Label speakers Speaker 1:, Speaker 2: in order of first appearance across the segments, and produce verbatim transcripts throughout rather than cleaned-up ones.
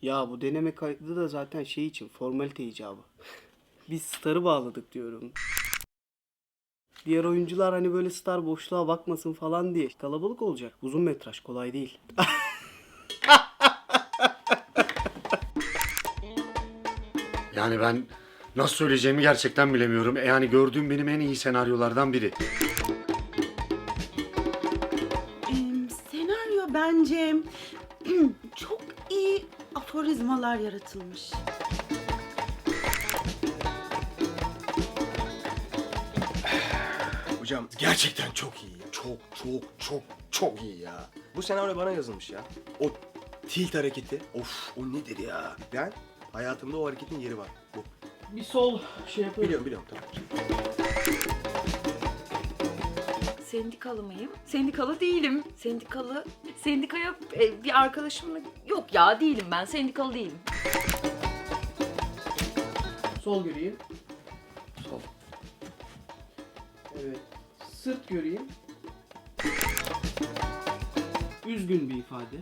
Speaker 1: Ya bu deneme kaydı da zaten şey için, formalite icabı. Biz starı bağladık diyorum. Diğer oyuncular hani böyle star boşluğa bakmasın falan diye. Kalabalık olacak. Uzun metraj, kolay değil.
Speaker 2: Yani ben nasıl söyleyeceğimi gerçekten bilemiyorum. E Yani gördüğüm benim en iyi senaryolardan biri.
Speaker 3: Ee, senaryo bence çok iyi aforizmalar yaratılmış.
Speaker 4: Hocam gerçekten çok iyi ya. Çok çok çok çok iyi ya. Bu senaryo bana yazılmış ya. O tilt hareketi. Of o nedir ya? Ben hayatımda o hareketin yeri var. Bu.
Speaker 1: Bir sol şey yapalım.
Speaker 4: Biliyorum biliyorum tamam.
Speaker 5: Sendikalı mıyım? Sendikalı değilim. Sendikalı, sendikaya e, bir arkadaşımla... Yok ya değilim ben, sendikalı değilim.
Speaker 1: Sol göreyim. Sol. Evet. Sırt göreyim. Üzgün bir ifade.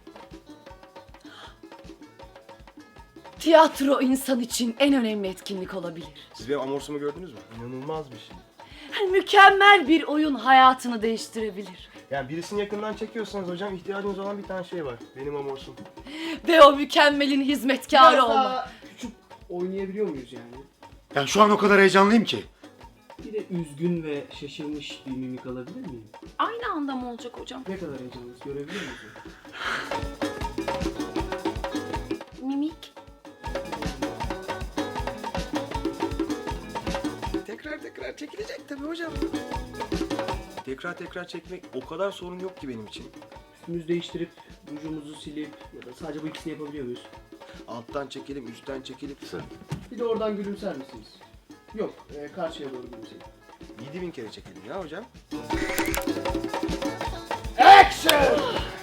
Speaker 5: Tiyatro insan için en önemli etkinlik olabilir.
Speaker 4: Siz benim amorsumu gördünüz mü? İnanılmaz bir şey.
Speaker 5: Mükemmel bir oyun hayatını değiştirebilir.
Speaker 4: Yani birisini yakından çekiyorsanız hocam ihtiyacınız olan bir tane şey var. Benim amorsum.
Speaker 5: Ve o mükemmelin hizmetkarı
Speaker 1: Biraz
Speaker 5: olmak.
Speaker 1: daha küçük oynayabiliyor muyuz yani?
Speaker 2: Yani şu an o kadar heyecanlıyım ki.
Speaker 1: Bir de üzgün ve şaşırmış bir mimik alabilir miyim?
Speaker 5: Aynı anda mı olacak hocam?
Speaker 1: Ne kadar heyecanlıyız görebilir miyiz?
Speaker 5: Mimik.
Speaker 4: Tekrar tekrar çekilecek tabii hocam. Tekrar tekrar çekmek o kadar sorun yok ki benim için.
Speaker 1: Üstümüzü değiştirip rujumuzu silip ya da sadece bu ikisini yapabiliyor muyuz?
Speaker 4: Alttan çekelim, üstten çekelim.
Speaker 1: Bir de oradan gülümser misiniz? Yok, e, karşıya doğru gülümseyin.
Speaker 4: yedi bin kere çekelim ya hocam.
Speaker 1: Action!